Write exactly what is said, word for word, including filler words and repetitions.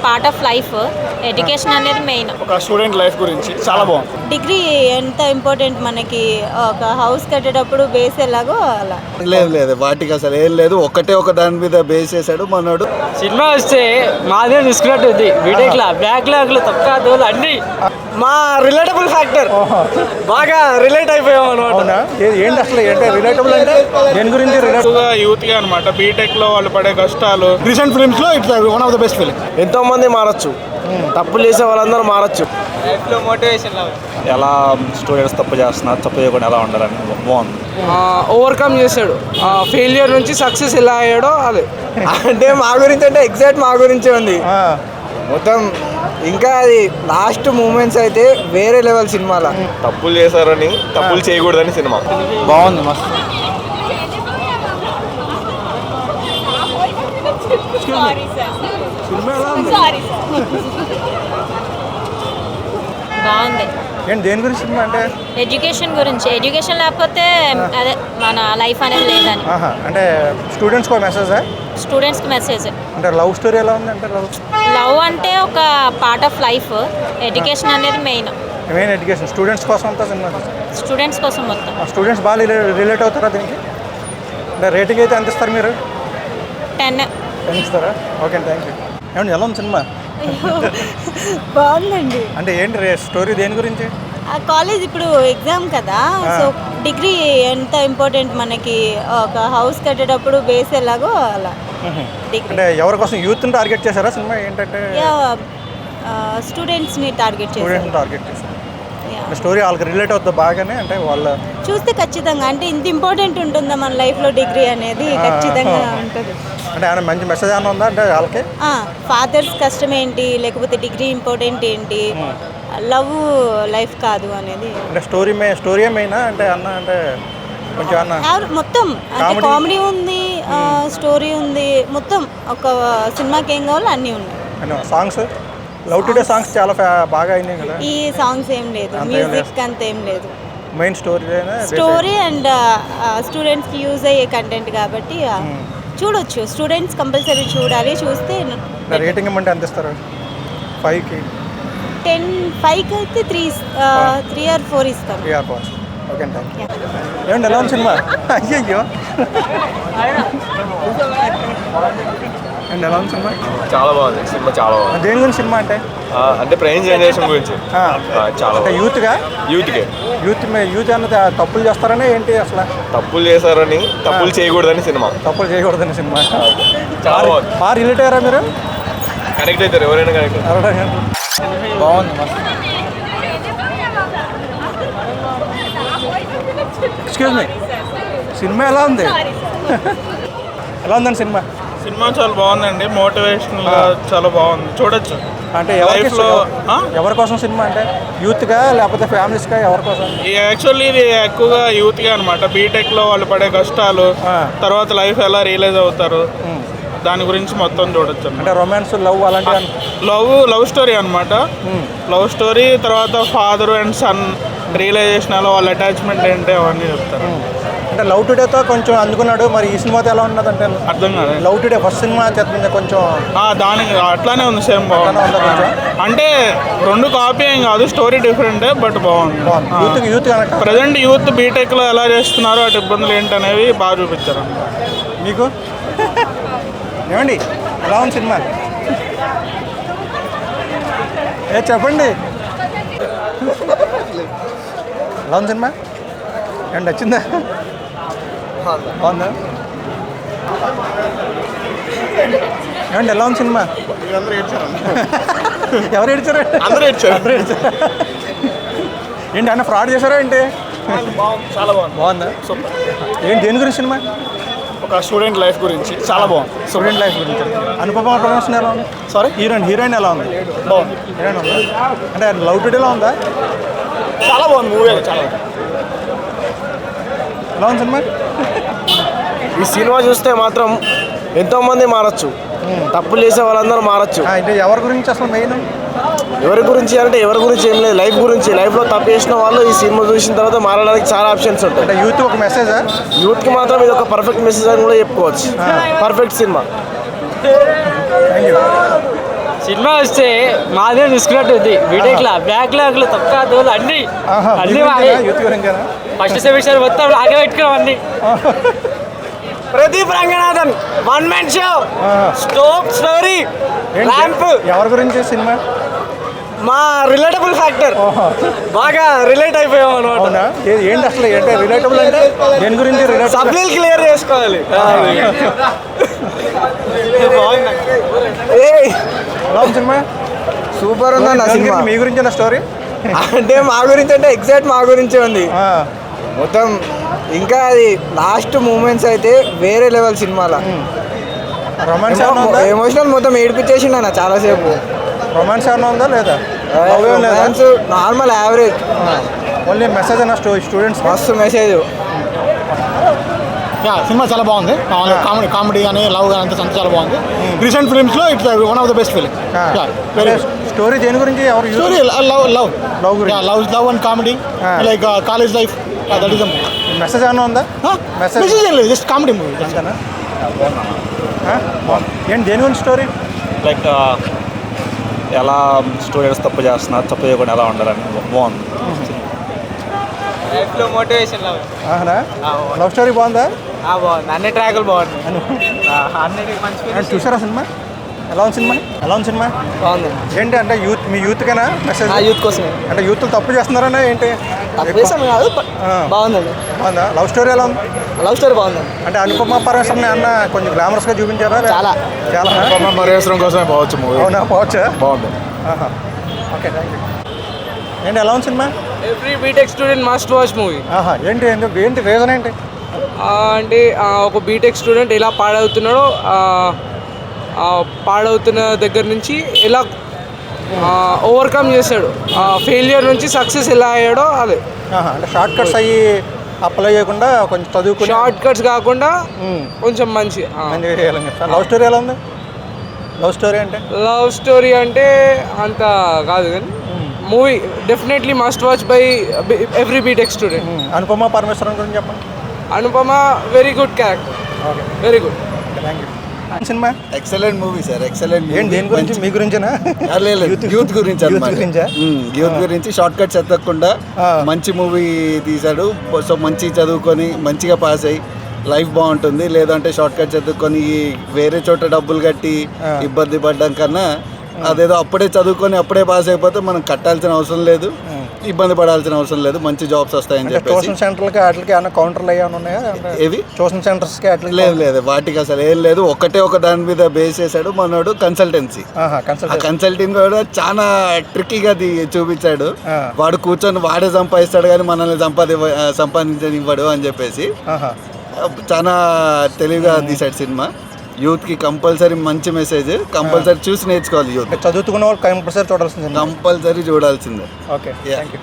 Part of life. Education అనేది main. ఒక student life గురించి చాలా బాగుంది. డిగ్రీ ఎంత ఇంపార్టెంట్ మనకి, ఒక హౌస్ కట్టేటప్పుడు బేస్ ఎలాగో అలా. లేదు లేదు వాటికి అసలు ఏం లేదు, ఒకటే ఒక దాని మీద బేస్ చేశాడు మనోడు. సినిమా వస్తే మాదే తీసుకున్నట్టు ఉంది. బీటెక్ లా బ్యాక్ లాగ్లు తక్కువ దోలు అన్ని మా రిలేటబుల్ ఫ్యాక్టర్ బాగా రిలేట్ అయిపోయాం అనమాట. ఏంటి అసలు ఏంటి రిలేటబుల్ అంటే దేని గురించి రిలేటబుల్ యూత్ గా అనమాట. బీటెక్ లో వాళ్ళు పడే కష్టాలు. రీసెంట్ ఫిల్మ్స్ లో it's one of the best film. ఎంతో మంది మారచ్చు, తప్పులు చేసే వాళ్ళందరూ మారచ్చు. లైఫ్లో మోటివేషన్ ఎలా స్టూడెంట్స్ తప్పు చేస్తున్నారు, తప్పు చేయకుండా ఎలా ఉండాలని బాగుంది. ఓవర్కమ్ చేశాడు. ఫెయిలియర్ నుంచి సక్సెస్ ఎలా అయ్యాడో అదే. అంటే మా గురించి అంటే ఎగ్జాక్ట్ మా గురించే ఉంది మొత్తం. ఇంకా అది లాస్ట్ మూమెంట్స్ అయితే వేరే లెవెల్ సినిమాలో. తప్పులు చేశారని తప్పులు చేయకూడదని సినిమా బాగుంది, మస్తు. బాగుంది. ఏంటి దేని గురించి సినిమా అంటే ఎడ్యుకేషన్ గురించి. ఎడ్యుకేషన్ లేకపోతే అదే మన లైఫ్ అనేది లేదని. ఆహా, అంటే స్టూడెంట్స్ కో మెసేజ్. స్టూడెంట్స్కి మెసేజ్. అంటే లవ్ స్టోరీ ఎలా ఉంది అంటే లవ్ లవ్ అంటే ఒక పార్ట్ ఆఫ్ లైఫ్. ఎడ్యుకేషన్ అనేది మెయిన్. మెయిన్ ఎడ్యుకేషన్ స్టూడెంట్స్ కోసం అంతా సినిమా. స్టూడెంట్స్ కోసం మొత్తం. స్టూడెంట్స్ బాగా రిలేట్ అవుతారా దీనికి? అంటే రేటింగ్ అయితే ఎంత ఇస్తారు మీరు? టెన్ టెన్ ఇస్తారా? Okay, thank you. ఏమండి ఎలా ఉంది సినిమా? బాగుందండి. అంటే ఏంటి రే స్టోరీ దేని గురించి? కాలేజ్ ఇప్పుడు ఎగ్జామ్ కదా, సో డిగ్రీ ఎంత ఇంపార్టెంట్ మనకి, ఒక హౌస్ కట్టేటప్పుడు బేస్ ఎలాగో అలా. డిగ్రీ అంటే ఎవరి కోసం యూత్ని టార్గెట్ చేశారా సినిమా? ఏంటంటే స్టూడెంట్స్ని టార్గెట్ చేశారు. స్టూడెంట్ని టార్గెట్ చేశారు. స్టోరీ వాళ్ళకి రిలేట్ అవుతుంది బాగానే. అంటే వాళ్ళ చూస్తే ఖచ్చితంగా అంటే ఇంత ఇంపార్టెంట్ ఉంటుందా మన లైఫ్లో డిగ్రీ అనేది? ఖచ్చితంగా ఉంటుంది. అంటే ఆయన మంచి మెసేజ్ ఏమైనా ఉందా అంటే వాళ్ళకి? ఫాదర్స్ కష్టం ఏంటి, లేకపోతే డిగ్రీ ఇంపార్టెంట్ ఏంటి, లవ్ లైఫ్ కాదు అనేది. అంటే స్టోరీ మే స్టోరీ ఏమైనా అంటే అన్న అంటే కొంచెం అన్న మొత్తం అంటే కామెడీ ఉంది, స్టోరీ ఉంది, మొత్తం ఒక సినిమాకి ఏం కావాలో అన్నీ ఉన్నాయి. సాంగ్స్ లవ్ టుడే సాంగ్స్ చాలా బాగా అయినాయి కదా. ఈ సాంగ్స్ ఏం లేదు, మ్యూజిక్ అంత ఏం లేదు. మెయిన్ స్టోరీ స్టోరీ అండ్ స్టూడెంట్స్కి యూజ్ అయ్యే కంటెంట్ కాబట్టి చూడొచ్చు. స్టూడెంట్స్ కంపల్సరీ చూడాలి. చూస్తే రేటింగ్ ఇవ్వమంటే ఎంత ఇస్తారు? ఫైవ్కి టెన్ ఫైవ్కి అయితే త్రీ త్రీ ఆర్ ఫోర్ ఇస్తాను. Three or four okay, thank you. ఏమండి ఎలా ఉంది సినిమా? అయ్యయ్యో అండ్ ఎలా ఉంది సినిమా? చాలా బాగుంది సినిమా, చాలా బాగుంది. దేని గురించి సినిమా అంటే? అంటే ప్రెజెంట్ జనరేషన్ గురించి చాలా అంటే యూత్గా యూత్కే యూత్ యూత్ అన్నది తప్పులు చేస్తారనే ఏంటి అసలు? తప్పులు చేశారని తప్పులు చేయకూడదని సినిమా. తప్పులు చేయకూడదని సినిమా చాలా బాగుంది. బాగా రిలేట్ అయ్యారా మీరు? కనెక్ట్ అవుతారు ఎవరైనా కనెక్ట్. బాగుంది, మస్తు. ఎక్స్క్యూజ్ మీ, సినిమా ఎలా ఉంది? ఎలా ఉందండి సినిమా? సినిమా చాలా బాగుందండి. మోటివేషనల్ గా చాలా బాగుంది, చూడొచ్చు. అంటే ఎవరి కోసం సినిమా? అంటే యూత్గా లేకపోతే ఫ్యామిలీస్గా ఎవరి కోసం? యాక్చువల్లీ ఇది ఎక్కువగా యూత్ గా అనమాట. బీటెక్ లో వాళ్ళు పడే కష్టాలు, తర్వాత లైఫ్ ఎలా రియలైజ్ అవుతారు, దాని గురించి మొత్తం చూడొచ్చు. అంటే రొమాన్స్, లవ్ అలాంటి లవ్ లవ్ స్టోరీ అనమాట. లవ్ స్టోరీ తర్వాత ఫాదర్ అండ్ సన్ రియలైజేషన్, ఎలా వాళ్ళ అటాచ్మెంట్ ఏంటి అవన్నీ చెప్తారు. అంటే లవ్ టుడేతో కొంచెం అందుకున్నాడు, మరి ఈ సినిమాతో ఎలా ఉన్నది అంటే? అర్థం కాదు. లవ్ టుడే ఫస్ట్ సినిమా చెప్పింది కొంచెం దానికి అట్లానే ఉంది, సేమ్ బాగుంది. అంటే రెండు కాపీ ఏం కాదు, స్టోరీ డిఫరెంటే, బట్ బాగుంది. Youth youth present youth BTech లో ఎలా చేస్తున్నారో అటు ఇబ్బందులు ఏంటి అనేవి బాగా చూపించారు. మీకు ఏమండి ఎలా ఉంది సినిమా? ఏ చెప్పండి, ఎలా ఉంది సినిమా? ఏమండి నచ్చిందా? బాగుందా? ఏమండి ఎలా ఉంది సినిమా? ఎవరు ఏడ్చారు? అందరూ ఏడ్చారు. ఏంటి అన్న ఫ్రాడ్ చేశారా ఏంటి? చాలా బాగుంది. బాగుందా? సూపర్. ఏంటి దేని గురించి సినిమా? ఒక స్టూడెంట్ లైఫ్ గురించి చాలా బాగుంది. స్టూడెంట్ లైఫ్ గురించి. అనుపమ ప్రమోషన్ ఎలా ఉంది? సారీ, హీరోయిన్ హీరోయిన్ ఎలా ఉంది? బాగుంది. హీరోయిన్ ఉందా? అంటే లవ్ టుడేలా ఉందా? చాలా బాగుంది మూవీ. చాలా ఎలా ఉంది సినిమా? ఈ సినిమా చూస్తే మాత్రం ఎంతో మంది మారచ్చు, తప్పులు చేసే వాళ్ళందరూ మారచ్చు. అంటే ఎవరి గురించి అసలు మెయిన్? ఎవరి గురించి అంటే ఎవరి గురించి ఏం లేదు, లైఫ్ గురించి. లైఫ్లో తప్పు చేసిన వాళ్ళు ఈ సినిమా చూసిన తర్వాత మారడానికి చాలా ఆప్షన్స్ ఉంటాయి. అంటే యూత్ ఒక మెసేజ్, యూత్కి మాత్రం ఇది ఒక పర్ఫెక్ట్ మెసేజ్ అని కూడా చెప్పుకోవచ్చు. Perfect cinema. సినిమా వస్తే మాదే చూసుకున్నట్టు ఉంది బీటెక్ లా బ్యాక్ లాగ్లు తప్ప దోలు అన్ని ఆహా, అన్ని యూత్ మావే. గురించేనా? యూత్ గురించేనా? ఫస్ట్ సెమిస్టర్ మొత్తం ఆగే పెట్టుకున్నాం అన్ని. Pradeep Ranganathan one man show stop story ఏంటి? ర్యాంప్ ఎవరి గురించి సినిమా? మా రిలేటబుల్ ఫ్యాక్టర్ బాగా రిలేట్ అయిపోయాం అనమాట. అవునా? ఏ- ఏంటి అసలు ఏంటి రిలేటబుల్ అంటే దేని గురించి రిలేటబుల్? సబ్లీలు క్లియర్ చేసుకోవాలి. ఎలా ఉంది సినిమా? సూపర్ ఉందన్న దేని సినిమా. గురించి? మీ గురించి నా స్టోరీ? అంటే మా గురించి అంటే ఎగ్జాక్ట్ మా గురించే ఉంది మొత్తం. ఇంకా అది లాస్ట్ మూమెంట్స్ అయితే వేరే లెవెల్ సినిమాలో. రొమాన్స్ ఏమైనా ఉందా? ఎమోషనల్ మొత్తం ఏడిపించేసిండు అన్న చాలాసేపు. రొమాన్స్ ఏమైనా ఉందా లేదా? Love ఏం లేదా? Normal average. ఓన్లీ మెసేజ్ అన్న స్టో స్టూడెంట్స్ మస్తు మెసేజ్. యా సినిమా చాలా బాగుంది. కామెడీ కామెడీ కానీ లవ్ కానీ అంతా చాలా బాగుంది. రీసెంట్ ఫిల్మ్స్లో it's one of the best film. Story దేని గురించి? ఎవరు స్టోరీ లవ్ లవ్ లవ్ గురించి. Love love and comedy like college life that is message ఏమైనా ఉందా? మెసేజ్ మెసేజ్ ఏం లేదు, జస్ట్ కామెడీ మూవీ. అంతేనా? ఆ? ఏంటి దేని గురించి స్టోరీ? లైక్ ఎలా స్టూడెంట్స్ తప్పు చేస్తున్నారు, తప్పు చేయకుండా ఎలా ఉండాలని బాగుంది. లైఫ్లో మోటివేషన్ లవ్ ఆహనా? లవ్ స్టోరీ బాగుందా? బాగుంది. అన్ని ట్రాకులు బాగున్నాయి. అన్నిటికీ మంచి ఏంటి చూసారా సినిమా? ఎలా ఉంది సినిమా? ఎలా ఉంది సినిమా? బాగుంది. ఏంటి అంటే యూత్ మీ యూత్కైనా మెసేజ్? యూత్ కోసమే. అంటే యూత్ తప్పు చేస్తున్నారనే ఏంటి? తప్పేసాం కాదు ఆ. బాగుందండి. బాగుందా? లవ్ స్టోరీ ఎలా ఉంది? లవ్ స్టోరీ బాగుందండి. అంటే అనుపమ పరమేశ్వరని అన్న కొంచెం గ్లామరస్గా చూపించారా? చాలా. చాలా మరేశ్వరం కోసమే పోవచ్చు మూవీ. అవునా? పోవచ్చా? బాగుంది. ఆహా. Okay thank you. ఏంటి ఎలా ఉంది సినిమా? Every BTech student must watch movie. ఆహా. ఏంటి ఎందుకు ఏంటి రీజన్ ఏంటి? అంటే ఆ, ఒక బీటెక్ స్టూడెంట్ ఎలా పాడవుతున్నాడో ఆ, ఆ, పాడవుతున్న దగ్గర నుంచి ఎలా ఓవర్కమ్ చేశాడు, ఆ ఫెయిలియర్ నుంచి సక్సెస్ ఎలా అయ్యాడో అదే. ఆహా. అంటే షార్ట్ కట్స్ అయ్యి అప్లై చేయకుండా కొంచెం చదువుకుని షార్ట్ కట్స్ కాకుండా కొంచెం మంచి మంచిగా చేయాలని చెప్తాను. లవ్ స్టోరీ ఎలా ఉంది? లవ్ స్టోరీ అంటే లవ్ స్టోరీ అంటే అంత కాదు కానీ movie definitely must watch by every BTech student. Anupama Parameswaran గురించి చెప్పండి. Anupama very good character, okay very good. Thank you. సినిమా ఎక్సలెంట్ మూవీ సార్, ఎక్సలెంట్. ఏంటి దేని గురించి? మీ గురించేనా? యూత్ గురించి యూత్ గురించా? యూత్ గురించి షార్ట్ కట్స్ ఎత్తకుండా మంచి మూవీ తీశాడు. సో మంచి చదువుకొని మంచిగా పాస్ అయ్యి లైఫ్ బాగుంటుంది. లేదంటే షార్ట్ కట్స్ ఎత్తుకొని వేరే చోట డబ్బులు కట్టి ఇబ్బంది పడ్డం కన్నా అదేదో అప్పుడే చదువుకొని అప్పుడే పాస్ అయిపోతే మనం కట్టాల్సిన అవసరం లేదు, ఇబ్బంది పడాల్సిన అవసరం లేదు, మంచి జాబ్స్ వస్తాయని చెప్పేసి. ట్యూషన్ సెంటర్లకి వాటికి ఏమైనా కౌంటర్లు ఏమైనా ఉన్నాయా? ఏవి ట్యూషన్ సెంటర్స్కి అట్లా లేదు లేదు వాటికి అసలు ఏం లేదు. ఒకటే ఒక దాని మీద బేస్ చేశాడు మనోడు, కన్సల్టెన్సీ. ఆ కన్సల్టింగ్ కూడా చాలా ట్రిక్కీగా చూపించాడు. వాడు కూర్చొని వాడే సంపాదిస్తాడు కానీ మనల్ని సంపాది సంపాదించనివ్వడు అని చెప్పేసి చాలా తెలివిగా తీశాడు సినిమా. యూత్కి కంపల్సరీ మంచి మెసేజ్, కంపల్సరీ చూసి నేర్చుకోవాలి. యూత్ చదువుతున్న వాళ్ళు కంపల్సరీ చూడాల్సింది, కంపల్సరీ చూడాల్సిందే. Okay thank you.